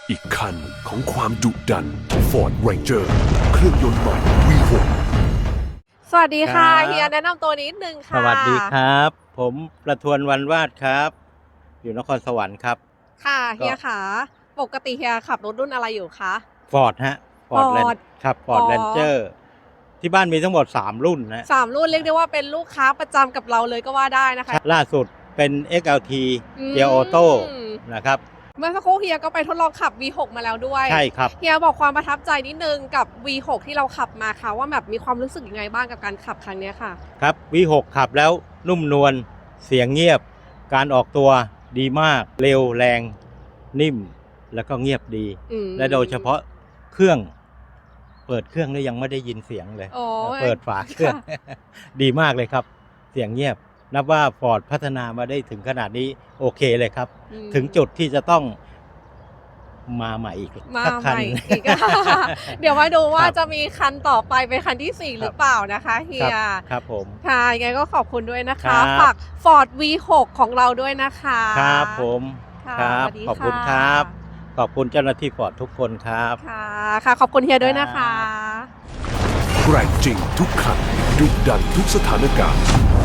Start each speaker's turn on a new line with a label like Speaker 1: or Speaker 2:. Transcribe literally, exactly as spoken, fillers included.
Speaker 1: อีกคันของความดุดัน Ford Ranger เครื่องยนต์ใหม่ วี หก
Speaker 2: สวัสดีค่ะ
Speaker 3: ครับ
Speaker 2: เฮียแนะนำตัวนิดนึงค่ะ
Speaker 3: สวัสดีครับ ผมประทวนวันวาดครับ อยู่นครสวรรค์ครับ
Speaker 2: ค่ะ
Speaker 3: ก็
Speaker 2: เฮียค่ะปกติเฮียขับรถรุ่นอะไรอยู่คะ
Speaker 3: ฟอร์ดฮะฟอร์ด
Speaker 2: Ford
Speaker 3: ครับฟอร์ด
Speaker 2: อ๋อ
Speaker 3: แรนเจอร์ที่บ้านมีทั้งหมดสามรุ่นนะ
Speaker 2: สามรุ่นเรียกได้ว่าเป็นลูกค้าประจำกับเราเลยก็ว่าได้นะคะ
Speaker 3: ล่าสุดเป็น เอ็กซ์ แอล ที
Speaker 2: อืม
Speaker 3: เกียร์ออโต้นะครับ
Speaker 2: เมื่อสักครู่เฮียก็ไปทดลองขับ วี หก มาแล้วด้วย
Speaker 3: ใช่ครับ
Speaker 2: เฮียบอกความประทับใจนิดนึงกับ วี หก ที่เราขับมาค่ะว่าแบบมีความรู้สึกยังไงบ้างกับการขับครั้งเนี้ยค่ะ
Speaker 3: ครับ วี หก ขับแล้วนุ่มนวลเสียงเงียบ การออกตัวดีมาก เร็วแรง นิ่ม แล้วก็เงียบดี
Speaker 2: อืม
Speaker 3: และโดยเฉพาะเครื่อง เปิดเครื่องนี่ยังไม่ได้ยินเสียงเลย
Speaker 2: โอ้ย
Speaker 3: เปิดฝาเครื่อง ดีมากเลยครับ เสียงเงียบ นับว่าฟอร์ดพัฒนามาได้ถึงขนาดนี้โอเคเลยครับ
Speaker 2: อืม
Speaker 3: ถึงจุดที่จะต้องมาใหม่อีก
Speaker 2: มา
Speaker 3: สัก
Speaker 2: ให
Speaker 3: คัน
Speaker 2: ม่อีก เดี๋ยวมาดูว่า
Speaker 3: ครับ
Speaker 2: จะมีคันต่อไปเป็นคันที่สี่
Speaker 3: ครับ
Speaker 2: หรือเปล่านะคะเฮี
Speaker 3: ครั
Speaker 2: ย
Speaker 3: บครับผม
Speaker 2: ค่ะยังไงก็ขอบคุณด้วยนะ
Speaker 3: ครั
Speaker 2: คะ
Speaker 3: บ
Speaker 2: ฝาก Ford วี หก ของเราด้วยนะคะ
Speaker 3: ครับผม
Speaker 2: ค่ะ
Speaker 3: ครับ
Speaker 2: สวัสดี
Speaker 3: ขอบคุณ
Speaker 2: ค่ะ
Speaker 3: ครับ ขอบคุณเจ้าหน้าที่ฟอร์ดทุกคนครับ
Speaker 2: ค่ะค่ะ ขอบคุณเฮียด้วยนะคะ
Speaker 1: แกร่งจริงทุกคันดุดันทุกสถานการณ์